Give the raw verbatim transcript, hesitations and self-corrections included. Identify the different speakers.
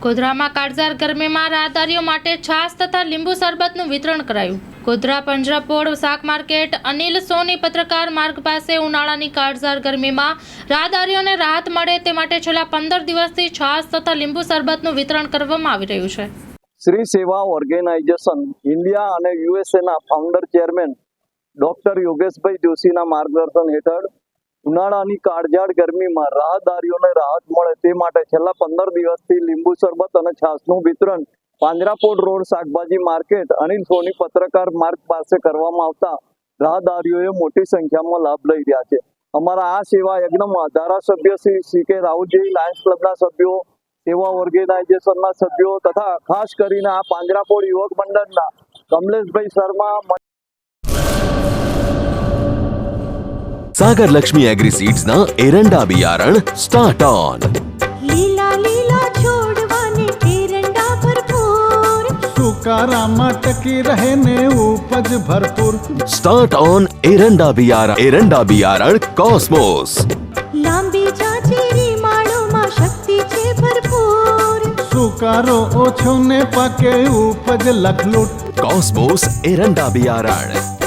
Speaker 1: ગોધરામાં કાળઝાળ ગરમીમાં રાહદારીઓ માટે છાશ તથા લીંબુ શરબતનું વિતરણ કરાયું। ગોધરા પંજરાપોળ શાક માર્કેટ અનિલ સોની પત્રકાર માર્ગ પાસે ઉનાળાની કાળઝાળ ગરમીમાં રાહદારીઓને રાહત મળે તે માટે છેલ્લા પંદર દિવસથી છાશ તથા લીંબુ શરબતનું વિતરણ કરવામાં આવી રહ્યું છે।
Speaker 2: શ્રી સેવા ઓર્ગેનાઇઝેશન ઇન્ડિયા અને યુએસએના ફાઉન્ડર ચેરમેન ડોક્ટર યોગેશભાઈ જોશીના માર્ગદર્શન હેઠળ ઉનાળાની કાળઝાળ ગરમીમાં રાહદારીઓને રાહત મળે તે માટે છેલ્લા પંદર દિવસથી લીંબુ શરબત અને છાશનું વિતરણ પાંજરાપોળ રોડ શાકભાજી માર્કેટ અનિલ સોની પત્રકાર માર્ગ પાસે કરવામાં આવતા રાહદારીઓએ મોટી સંખ્યામાં લાભ લઈ રહ્યા છે। અમારા આ સેવા યજ્ઞમાં ધારાસભ્ય શ્રી સી કે રાઉતજી, લાયન્સ ક્લબના સભ્યો, સેવા ઓર્ગેનાઇઝેશનના સભ્યો તથા ખાસ કરીને આ પાંજરાપોળ યુવક મંડળના કમલેશભાઈ શર્મા,
Speaker 3: सागर लक्ष्मी एग्री सीड्स ना एरंडा बियारण स्टार्ट ऑन।
Speaker 4: લીલા લીલા છોડવાને એરંડા ભરપૂર,
Speaker 5: સુકારામાં ટકી રહે ને ઉપજ ભરપૂર।
Speaker 3: स्टार्ट ऑन एरंडा बियारण एरंડા बियारण कॉस्मोस।
Speaker 4: લાંબી જાચેરી માળોમાં શક્તિ છે ભરપૂર,
Speaker 5: સુકારો ઓછો ને પાકે ઉપજ લખલૂટ।
Speaker 3: कॉस्मोस एरंડા बियारण।